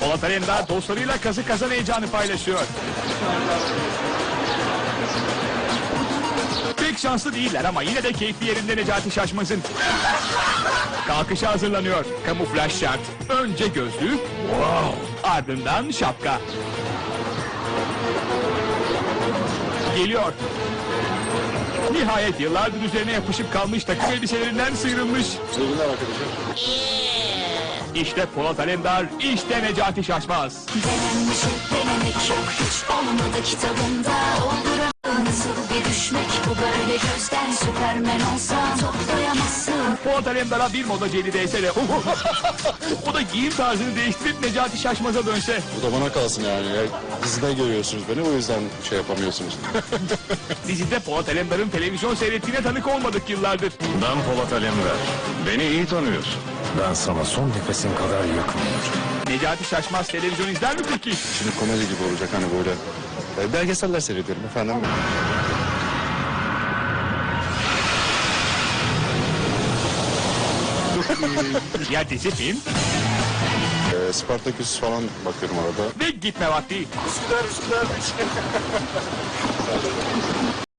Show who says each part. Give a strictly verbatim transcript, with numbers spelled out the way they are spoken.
Speaker 1: Polat Alemdar dostlarıyla kazı kazan heyecanı paylaşıyor. Pek şanslı değiller ama yine de keyfi yerinde Necati Şaşmaz'ın. Kalkışa hazırlanıyor. Kamuflaj şart. Önce gözlük. Wow. Ardından şapka. Geliyor. Nihayet yıllardır üzerine yapışıp kalmış takım elbiselerinden sıyrılmış.
Speaker 2: Sevgiler arkadaşlar.
Speaker 1: İşte Polat Alemdar, işte Necati Şaşmaz.
Speaker 3: Denenmiş hep denemek yok hiç olmadı kitabında. Olduran nasıl bir düşmek bu böyle gözden süpermen olsan toplayamazsın.
Speaker 1: Polat Alemdar'a bir modacı değse de o da giyim tarzını değiştirip Necati Şaşmaz'a dönse.
Speaker 2: Bu da bana kalsın yani. Ya, dizide görüyorsunuz beni, o yüzden şey yapamıyorsunuz.
Speaker 1: Dizide Polat Alemdar'ın televizyon seyrettiğine tanık olmadık yıllardır.
Speaker 4: Ben Polat Alemdar. Beni iyi tanıyorsun. Ben sana son nefesim kadar yakınım.
Speaker 1: Necati Şaşmaz televizyon izler mi peki?
Speaker 2: Şimdi komedi gibi olacak hani böyle. E, belgeseller seyrediyorum efendim.
Speaker 1: Ya dizi film
Speaker 2: E, Spartaküs falan bakıyorum arada.
Speaker 1: ve gitme vakti.
Speaker 2: Süper süper.